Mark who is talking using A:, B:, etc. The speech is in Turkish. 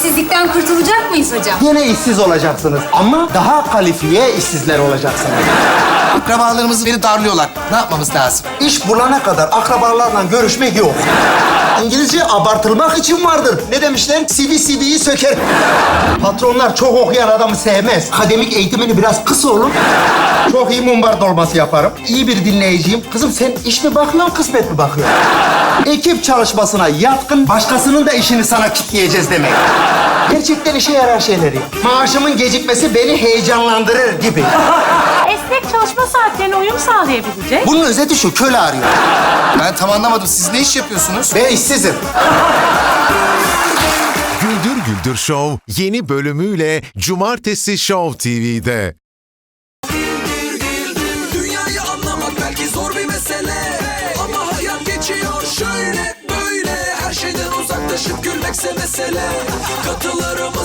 A: İşsizlikten kurtulacak mıyız hocam?
B: Yine işsiz olacaksınız ama daha kalifiye işsizler olacaksınız.
C: Akrabalarımız beni darlıyorlar. Ne yapmamız lazım?
B: İş bulana kadar akrabalarla görüşmek yok. İngilizce abartılmak için vardır. Ne demişler? CV CV'yi söker. Patronlar çok okuyan adamı sevmez. Akademik eğitimini biraz kısa olur. Çok iyi mumbar dolması yaparım. İyi bir dinleyiciyim. Kızım sen iş mi bakıyorsun, kısmet mi bakıyorsun? Ekip çalışmasına yatkın, başkasının da işini sana kitleyeceğiz demek. Gerçekten işe yarar şeyleri. Maaşımın gecikmesi beni heyecanlandırır gibi.
D: Esnek çalışma saatlerine uyum sağlayabilecek.
B: Bunun özeti şu, köle arıyor.
C: Ben tam anlamadım. Siz ne iş yapıyorsunuz?
B: Ben işsizim.
E: Güldür Güldür Show yeni bölümüyle Cumartesi Show TV'de.
F: Dünyayı anlamak belki zor bir mesele, ama hayat geçiyor şöyle böyle. Her şeyden uzaklaşıp gülmekse mesele. Katılırım